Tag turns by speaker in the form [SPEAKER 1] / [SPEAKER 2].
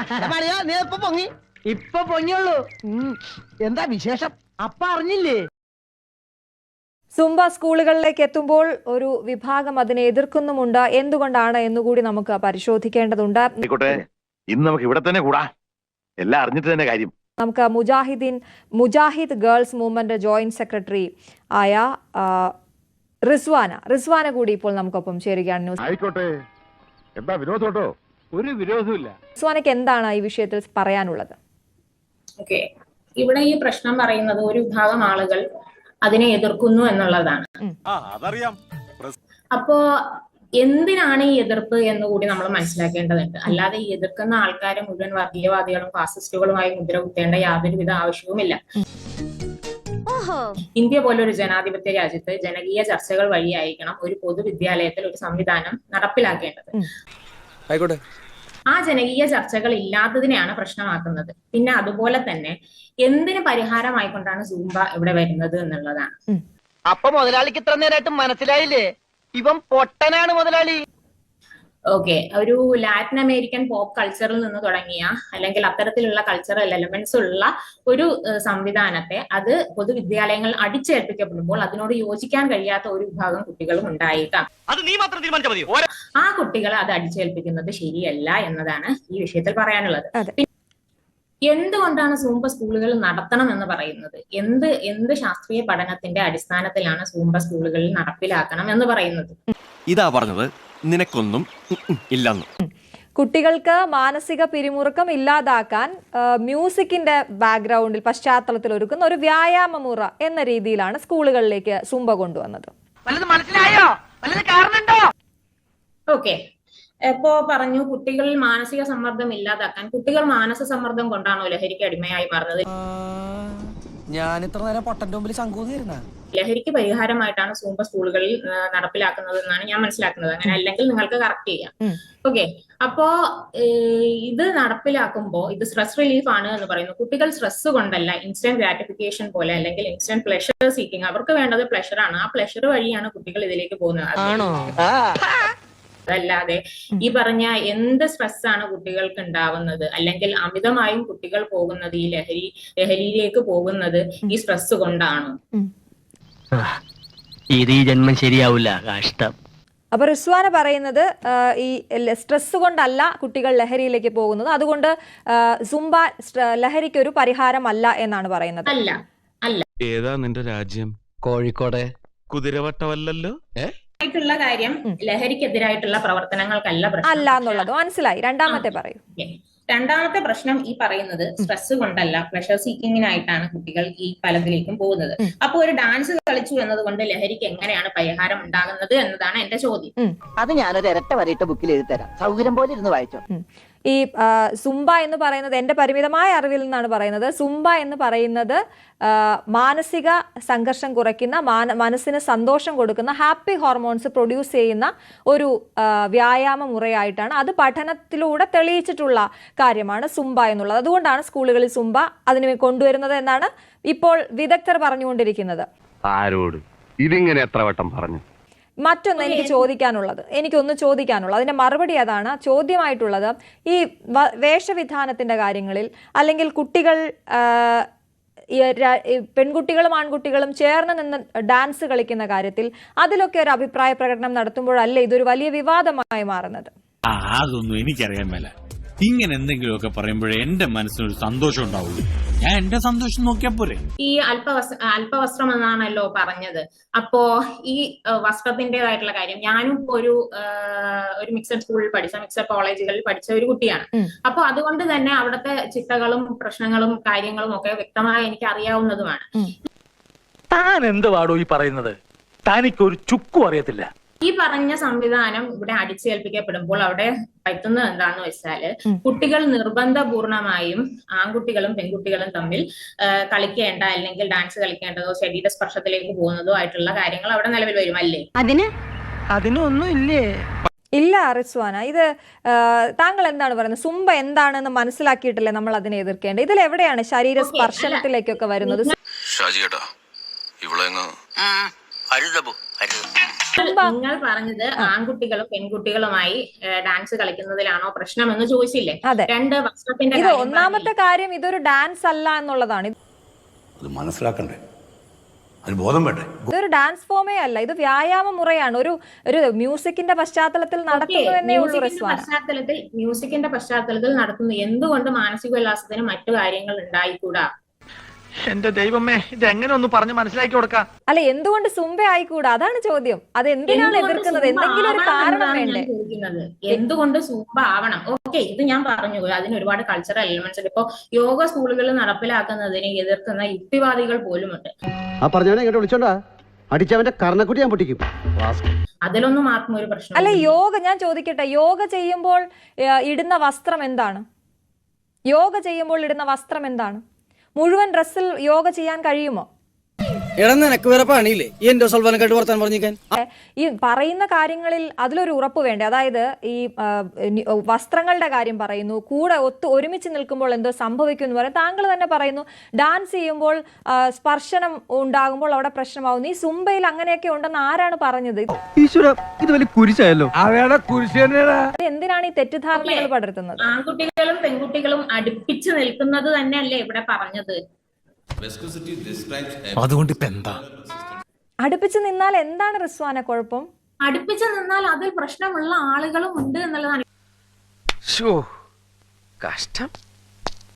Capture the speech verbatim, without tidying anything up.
[SPEAKER 1] നീ ഇപ്പൊ പൊങ്ങി ഇപ്പൊ പൊങ്ങിയുള്ളൂ. എന്താ വിശേഷം? അപ്പ അറിഞ്ഞില്ലേ?
[SPEAKER 2] സുംബ സ്കൂളുകളിലേക്ക് എത്തുമ്പോൾ ഒരു വിഭാഗം അതിനെ എതിർക്കുന്നുമുണ്ട്. എന്തുകൊണ്ടാണ് എന്നുകൂടി നമുക്ക് പരിശോധിക്കേണ്ടതുണ്ട്.
[SPEAKER 3] ഇന്ന് നമുക്ക് ഇവിടെ തന്നെ കൂടാ, എല്ലാം അറിഞ്ഞിട്ട് തന്നെ കാര്യം.
[SPEAKER 2] നമുക്ക് Mujahideen Mujahid girls movement joint secretary ആയ റിസ്വാന റിസ്വാന കൂടി ഇപ്പോൾ നമുക്കൊപ്പം ചേരുകയാണ്. ന്യൂസ്
[SPEAKER 3] ആയിക്കോട്ടെ, എന്താ വിരോധോട്ടോ? ഒരു വിരോധമില്ല.
[SPEAKER 2] റിസ്വാനയ്ക്ക് എന്താണ് ഈ വിഷയത്തിൽ പറയാനുള്ളത്?
[SPEAKER 4] ഓക്കെ, ഇവിടെ ഈ പ്രശ്നം പറയുന്നത് ഒരു വിഭാഗം ആളുകൾ അതിനെ എതിർക്കുന്നു എന്നുള്ളതാണ്. അപ്പോ എന്തിനാണ് ഈ എതിർപ്പ് എന്ന് കൂടി നമ്മൾ മനസ്സിലാക്കേണ്ടതുണ്ട്. അല്ലാതെ ഈ എതിർക്കുന്ന ആൾക്കാരെ മുഴുവൻ വർഗീയവാദികളും ഫാസിസ്റ്റുകളുമായി മുദ്ര കുത്തേണ്ട യാതൊരുവിധ ആവശ്യവുമില്ല. ഇന്ത്യ പോലൊരു ജനാധിപത്യ രാജ്യത്ത് ജനകീയ ചർച്ചകൾ വഴിയായിരിക്കണം ഒരു പൊതുവിദ്യാലയത്തിൽ ഒരു സംവിധാനം നടപ്പിലാക്കേണ്ടത്. ആ ജനകീയ ചർച്ചകൾ ഇല്ലാത്തതിനെയാണ് പ്രശ്നമാക്കുന്നത്. പിന്നെ അതുപോലെ തന്നെ എന്തിന് പരിഹാരമായിക്കൊണ്ടാണ് സൂംബ ഇവിടെ വരുന്നത് എന്നുള്ളതാണ്.
[SPEAKER 1] അപ്പൊ മുതലാളിക്ക് ഇത്ര നേരമായിട്ട് മനസ്സിലായില്ലേ? ഇവൻ പൊട്ടനാണ് മുതലാളി.
[SPEAKER 4] ഓക്കെ, ഒരു ലാറ്റിൻ അമേരിക്കൻ പോപ്പ് കൾച്ചറിൽ നിന്ന് തുടങ്ങിയ അല്ലെങ്കിൽ അത്തരത്തിലുള്ള കൾച്ചറൽ എലമെന്റ്സ് ഉള്ള ഒരു സംവിധാനത്തെ അത് പൊതുവിദ്യാലയങ്ങൾ അടിച്ചേൽപ്പിക്കപ്പെടുമ്പോൾ അതിനോട് യോജിക്കാൻ കഴിയാത്ത ഒരു വിഭാഗം കുട്ടികളും ഉണ്ടായേക്കാം. ആ കുട്ടികളെ അത് അടിച്ചേൽപ്പിക്കുന്നത് ശരിയല്ല എന്നതാണ് ഈ വിഷയത്തിൽ പറയാനുള്ളത്. എന്തുകൊണ്ടാണ് സൂംബ സ്കൂളുകൾ നടത്തണം എന്ന് പറയുന്നത്? എന്ത് എന്ത് ശാസ്ത്രീയ പഠനത്തിന്റെ അടിസ്ഥാനത്തിലാണ് സൂംബ സ്കൂളുകളിൽ നടപ്പിലാക്കണം എന്ന് പറയുന്നത്?
[SPEAKER 5] ഇതാ പറഞ്ഞത്, നിനക്കൊന്നും ഇല്ലെന്ന്.
[SPEAKER 2] കുട്ടികൾക്ക് മാനസിക പിരിമുറുക്കം ഇല്ലാതാക്കാൻ മ്യൂസിക്കിന്റെ ബാക്ക്ഗ്രൗണ്ടിൽ പശ്ചാത്തലത്തിൽ ഒരുക്കുന്ന ഒരു വ്യായാമ മുറ എന്ന രീതിയിലാണ് സ്കൂളുകളിലേക്ക് സൂംബ കൊണ്ടുവന്നത്.
[SPEAKER 1] മനസ്സിലായോ? കാരണമുണ്ടോ?
[SPEAKER 4] ഓക്കെ, ഇപ്പോ പറഞ്ഞു കുട്ടികളിൽ മാനസിക സമ്മർദ്ദം ഇല്ലാതാക്കാൻ. കുട്ടികൾ മാനസിക സമ്മർദ്ദം കൊണ്ടാണോ ലഹരിക്ക് അടിമയായി മാറുന്നത്?
[SPEAKER 6] ഞാൻ ഇത്ര നേരം പൊട്ടന്റെ മുമ്പിൽ ശങ്കൂന്നിരുന്ന
[SPEAKER 4] ലഹരിക്ക് പരിഹാരമായിട്ടാണ് സൂംബ സ്കൂളുകളിൽ നടപ്പിലാക്കുന്നത് എന്നാണ് ഞാൻ മനസ്സിലാക്കുന്നത്. അങ്ങനെ അല്ലെങ്കിൽ നിങ്ങൾക്ക് കറക്റ്റ് ചെയ്യാം. ഓക്കെ, അപ്പോ ഇത് നടപ്പിലാക്കുമ്പോൾ ഇത് സ്ട്രെസ് റിലീഫ് ആണ് എന്ന് പറയുന്നു. കുട്ടികൾ സ്ട്രെസ് കൊണ്ടല്ല, ഇൻസ്റ്റന്റ് ഗ്രാറ്റിഫിക്കേഷൻ പോലെ അല്ലെങ്കിൽ ഇൻസ്റ്റന്റ് പ്ലഷർ സീക്കിങ്, അവർക്ക് വേണ്ടത് പ്ലഷർ ആണ്. ആ പ്ലഷർ വഴിയാണ് കുട്ടികൾ ഇതിലേക്ക് പോകുന്നത്. അതല്ലാതെ ഈ പറഞ്ഞ എന്ത് സ്ട്രെസ് ആണ് കുട്ടികൾക്ക് ഉണ്ടാവുന്നത് അല്ലെങ്കിൽ അമിതമായും കുട്ടികൾ പോകുന്നത് ഈ ലഹരി ലഹരിയിലേക്ക് പോകുന്നത് ഈ സ്ട്രെസ് കൊണ്ടാണോ?
[SPEAKER 1] ഇത് ഈ ജന്മം ശരിയാവില്ല, കഷ്ടം.
[SPEAKER 2] അപ്പൊ റിസ്വാന പറയുന്നത് ഈ സ്ട്രെസ് കൊണ്ടല്ല കുട്ടികൾ ലഹരിയിലേക്ക് പോകുന്നത്, അതുകൊണ്ട് സുംബ ലഹരിക്ക് ഒരു പരിഹാരമല്ല എന്നാണ് പറയുന്നത്.
[SPEAKER 4] അല്ല അല്ല
[SPEAKER 5] ഏതാ നിന്റെ രാജ്യം?
[SPEAKER 6] കോഴിക്കോട്.
[SPEAKER 5] കുതിരവട്ടമല്ലല്ലോ.
[SPEAKER 4] ായിട്ടുള്ള കാര്യം ലഹരിക്കെതിരായിട്ടുള്ള പ്രവർത്തനങ്ങൾക്കല്ല
[SPEAKER 2] അല്ല എന്നുള്ളത് മനസ്സിലായി. രണ്ടാമത്തെ പറയൂ.
[SPEAKER 4] രണ്ടാമത്തെ പ്രശ്നം ഈ പറയുന്നത് സ്ട്രെസ് കൊണ്ടല്ല, പ്ലഷർ സീക്കിങ്ങിനായിട്ടാണ് കുട്ടികൾ ഈ പലതിലേക്കും പോകുന്നത്. അപ്പൊ ഒരു ഡാൻസ് കളിച്ചു എന്നതുകൊണ്ട് ലഹരിക്ക് എങ്ങനെയാണ് പരിഹാരം ഉണ്ടാകുന്നത് എന്നതാണ് എന്റെ ചോദ്യം.
[SPEAKER 1] അത് ഞാനൊരു ഇരട്ട വരയിട്ട ബുക്കിൽ എഴുതി തരാം, സൗകര്യം പോലെ ഇരുന്ന് വായിച്ചോ.
[SPEAKER 2] ഈ സുംബ എന്ന് പറയുന്നത് എൻ്റെ പരിമിതമായ അറിവിൽ നിന്നാണ് പറയുന്നത്. സുംബ എന്ന് പറയുന്നത് മാനസിക സംഘർഷം കുറയ്ക്കുന്ന, മനസ്സിന് സന്തോഷം കൊടുക്കുന്ന, ഹാപ്പി ഹോർമോൺസ് പ്രൊഡ്യൂസ് ചെയ്യുന്ന ഒരു വ്യായാമ മുറയായിട്ടാണ്, അത് പഠനത്തിലൂടെ തെളിയിച്ചിട്ടുള്ള കാര്യമാണ് സുംബ എന്നുള്ളത്. അതുകൊണ്ടാണ് സ്കൂളുകളിൽ സുംബ അതിന് കൊണ്ടുവരുന്നത് എന്നാണ് ഇപ്പോൾ വിദഗ്ധർ പറഞ്ഞുകൊണ്ടിരിക്കുന്നത്.
[SPEAKER 3] ആരോട് ഇതിങ്ങനെ എത്ര വട്ടം പറഞ്ഞു?
[SPEAKER 2] മറ്റൊന്ന് എനിക്ക് ചോദിക്കാനുള്ളത് എനിക്കൊന്ന് ചോദിക്കാനുള്ളത് അതിന്റെ മറുപടി അതാണ്. ചോദ്യമായിട്ടുള്ളത് ഈ വേഷവിധാനത്തിന്റെ കാര്യങ്ങളിൽ അല്ലെങ്കിൽ കുട്ടികൾ പെൺകുട്ടികളും ആൺകുട്ടികളും ചേർന്ന് നിന്ന് ഡാൻസ് കളിക്കുന്ന കാര്യത്തിൽ അതിലൊക്കെ ഒരു അഭിപ്രായ പ്രകടനം നടത്തുമ്പോഴല്ലേ ഇതൊരു വലിയ വിവാദമായി മാറുന്നത്?
[SPEAKER 7] അതൊന്നും എനിക്കറിയാൻ മേല. ഇങ്ങനെ എന്തെങ്കിലുമൊക്കെ പറയുമ്പോഴേ എന്റെ മനസ്സിനൊരു സന്തോഷം ഉണ്ടാവുള്ളൂ. ഞാൻ എന്റെ സന്തോഷം നോക്കിയാ പോരെ.
[SPEAKER 4] ഈ അല്പവസ്ത്ര അല്പവസ്ത്രം എന്നാണല്ലോ പറഞ്ഞത്. അപ്പോ ഈ വസ്ത്രത്തിന്റേതായിട്ടുള്ള കാര്യം, ഞാനും ഒരു ഒരു മിക്സഡ് സ്കൂളിൽ പഠിച്ച മിക്സഡ് കോളേജുകളിൽ പഠിച്ച ഒരു കുട്ടിയാണ്. അപ്പൊ അതുകൊണ്ട് തന്നെ അവിടുത്തെ ചിട്ടകളും പ്രശ്നങ്ങളും കാര്യങ്ങളും ഒക്കെ വ്യക്തമായി എനിക്ക് അറിയാവുന്നതുമാണ്.
[SPEAKER 8] താൻ എന്തുവാടോ ഈ പറയുന്നത്? തനിക്കൊരു ചുക്കും അറിയത്തില്ല.
[SPEAKER 4] ഈ പറഞ്ഞ സംവിധാനം ഇവിടെ അടിച്ചേൽപ്പിക്കപ്പെടുമ്പോൾ അവിടെ പറ്റുന്നത് എന്താന്ന് വെച്ചാല് കുട്ടികൾ നിർബന്ധപൂർണമായും ആൺകുട്ടികളും പെൺകുട്ടികളും തമ്മിൽ കളിക്കേണ്ട അല്ലെങ്കിൽ ഡാൻസ് കളിക്കേണ്ടതോ ശരീര സ്പർശത്തിലേക്ക് പോകുന്നതോ ആയിട്ടുള്ള കാര്യങ്ങൾ അവിടെ നിലവിൽ വരും അല്ലേ?
[SPEAKER 1] അതിന് അതിനൊന്നും ഇല്ലേ?
[SPEAKER 2] ഇല്ല റിസ്വാന, ഇത് താങ്കൾ എന്താണ് പറയുന്നത്? സുംബ എന്താണെന്ന് മനസ്സിലാക്കിയിട്ടല്ലേ നമ്മൾ അതിനെ എതിർക്കേണ്ടത്? ഇതിൽ എവിടെയാണ് ശരീര സ്പർശനത്തിലേക്കൊക്കെ വരുന്നത്?
[SPEAKER 4] നിങ്ങൾ പറഞ്ഞത് ആൺകുട്ടികളും പെൺകുട്ടികളുമായി ഡാൻസ് കളിക്കുന്നതിലാണോ പ്രശ്നം എന്ന് ചോദിച്ചില്ലേ?
[SPEAKER 2] അതെ.
[SPEAKER 4] രണ്ട് വസ്ത്രത്തിന്റെ
[SPEAKER 2] ഇത്
[SPEAKER 4] കാര്യം
[SPEAKER 2] ഒന്നാമത്തെ കാര്യം ഇതൊരു ഡാൻസ് അല്ല എന്നുള്ളതാണ്.
[SPEAKER 9] അത് മനസ്സിലാക്കണ്ടേ, അത് ബോധം വേണ്ടേ?
[SPEAKER 2] ഇതൊരു ഡാൻസ് ഫോമേ അല്ല, ഇത് വ്യായാമ മുറയാണ്. ഒരു ഒരു മ്യൂസിക്കിന്റെ പശ്ചാത്തലത്തിൽ നടത്തുന്നു എന്നേ ഉള്ളൂ
[SPEAKER 4] മ്യൂസിക്കിന്റെ
[SPEAKER 2] റിസ്വാന.
[SPEAKER 4] പശ്ചാത്തലത്തിൽ മ്യൂസിക്കിന്റെ പശ്ചാത്തലത്തിൽ നടത്തുന്നു. എന്തുകൊണ്ട് മാനസിക ഉല്ലാസത്തിന് മറ്റു കാര്യങ്ങൾ ഉണ്ടായിക്കൂടാ?
[SPEAKER 8] എന്റെ ദൈവമേ, ഇത് എങ്ങനെ ഒന്ന് പറഞ്ഞ് മനസ്സിലാക്കി കൊടുക്കാം?
[SPEAKER 2] അല്ല, എന്തുകൊണ്ട് സുംബ ആയിക്കൂടാ? അതാണ് ചോദ്യം. അത് എന്തിനാണ്
[SPEAKER 4] എന്തുകൊണ്ട്
[SPEAKER 2] എതിർക്കുന്നത്?
[SPEAKER 4] സൂംബ
[SPEAKER 2] എന്തെങ്കിലും ഒരു
[SPEAKER 4] ആവണം
[SPEAKER 2] കാരണം
[SPEAKER 4] എന്നതാണ് ഞാൻ
[SPEAKER 2] വേണ്ടേ?
[SPEAKER 4] ചോദിക്കുന്നത്. എന്തുകൊണ്ട് സൂംബ ആവണം? ഓക്കെ, ഇത് ഞാൻ പറഞ്ഞു, അതിന് ഒരുപാട് കൾച്ചറൽ എലിമെന്റ്സ് ഉണ്ട്. ഇപ്പോ യോഗ സ്കൂളുകളിൽ നടപ്പിലാക്കുന്നതിനെ എതിർക്കുന്ന യുക്തിവാദികൾ പോലുമുണ്ട്.
[SPEAKER 1] ആ പറഞ്ഞവനെ ഇങ്ങോട്ട് വിളിച്ചോണ്ടാ അടിച്ചവന്റെ കർണക്കുട്ടി ഞാൻ പൊട്ടിക്കും.
[SPEAKER 4] അതിലൊന്നും ആർക്കും ഒരു പ്രശ്നം
[SPEAKER 2] അല്ല, യോഗ ഞാൻ ചോദിക്കട്ടെ, യോഗ ചെയ്യുമ്പോൾ ഏ, ഇടുന്ന വസ്ത്രം എന്താണ്? യോഗ ചെയ്യുമ്പോൾ ഇടുന്ന വസ്ത്രം എന്താണ്? മുഴുവൻ ഡ്രസ്സിൽ യോഗ ചെയ്യാൻ കഴിയുമോ?
[SPEAKER 6] എടാ നിനക്ക് വേറെ പണിയില്ലേ ഈ എന്റെ സൽവാനക്കായിട്ട് വർത്താൻ പറഞ്ഞിരിക്കാൻ?
[SPEAKER 2] ഈ പറയുന്ന കാര്യങ്ങളിൽ അതിലൊരു ഉറപ്പ് വേണ്ടേ? അതായത് ഈ ആ, നി- വസ്ത്രങ്ങളുടെ കാര്യം പറയുന്നു, കൂടെ ഒത്ത് ഒരുമിച്ച് നിൽക്കുമ്പോൾ എന്തോ സംഭവിക്കും എന്ന് പറയും. താങ്കൾ തന്നെ പറയുന്നു ഡാൻസ് ചെയ്യുമ്പോൾ ആ, സ്പർശനം ഉണ്ടാകുമ്പോൾ അവിടെ പ്രശ്നമാവുന്നു. ഈ സുംബയിൽ അങ്ങനെയൊക്കെ ഉണ്ടെന്ന് ആരാണ് പറഞ്ഞത്?
[SPEAKER 1] ഈശ്വര, ഇത് വലിയ കുരിശായല്ലോ. അവയുടെ കുരിശ് തന്നെയാ.
[SPEAKER 2] ഇത് എന്തിനാണ് ഈ തെറ്റിദ്ധാരണകൾ പടർത്തുന്നത്?
[SPEAKER 4] ആൺകുട്ടികളും പെൺകുട്ടികളും അടുപ്പിച്ച് നിൽക്കുന്നത് തന്നെയല്ലേ ഇവിടെ പറഞ്ഞത്?
[SPEAKER 5] അതുകൊണ്ട് ഇപ്പൊ എന്താ?
[SPEAKER 2] അടുപ്പിച്ച് നിന്നാൽ എന്താണ് റിസ്വാന കുഴപ്പം?
[SPEAKER 4] അടുപ്പിച്ച് നിന്നാൽ അതിൽ പ്രശ്നമുള്ള ആളുകളും ഉണ്ട് എന്നുള്ളതാണ്.
[SPEAKER 5] കഷ്ടം.